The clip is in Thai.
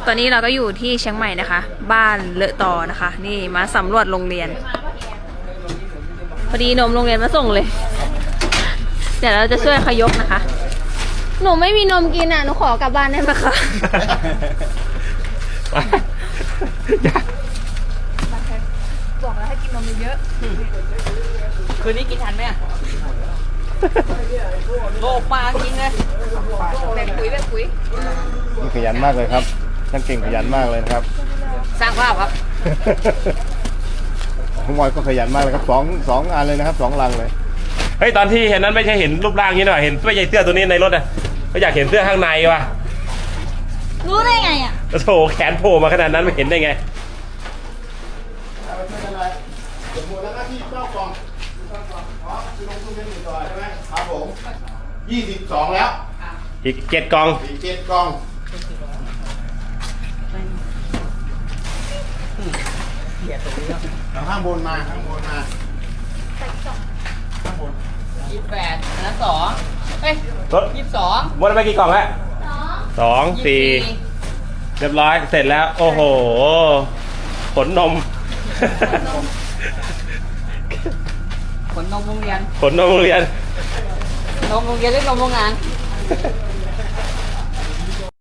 ตอนนี้เราก็อยู่ที่เชียงใหม่นะคะ บ้านเลอะตอนะคะ นี่มาสำรวจโรงเรียนพอดีนมโรงเรียนมาส่งเลย เดี๋ยวเราจะช่วยเขายกนะคะ หนูไม่มีนมกินอ่ะ หนูขอกลับบ้านได้ไหมคะบอกแล้วให้กินนมเยอะคืนนี้กินทันไหมโลกมาจริงเลยแบ่งปุ๋ยนี่ขยันมากเลยครับท่านเก่งขยันมากเลยนะครับสร้างภาพครับคุณมอยก็ขยันมากเลยครับสองอันเลยนะครับ2 ลังเลยเฮ้ยตอนที่เห็นนั้นไม่ใช่เห็นรูปร่างนี้หน่อยเห็นไม่ใช่เสื้อตัวนี้ในรถอ่ะก็อยากเห็นเสื้อข้างในว่ะรู้ได้ไงอ่ะโถแขนโผล่มาขนาดนั้นไม่เห็นได้ไงไม่เป็นไรเดี๋ยวหมดแล้วก็ที่9 กล่องอ๋อคือลงทุนเป็น1 ต่อใช่ไหมครับผม22แล้วอีก7 กล่องอีก7 กล่องข้างบนมาข้างบนมา 28อันนั้น2เอ้ยรถ 22 หมดไปกี่กล่องแล้ว2 4เรียบร้อยเสร็จแล้วโอ้โหขนนมขนนมโรงเรียนขนนมโรงเรียนนมโรงเรียนหรือนมโรงงาน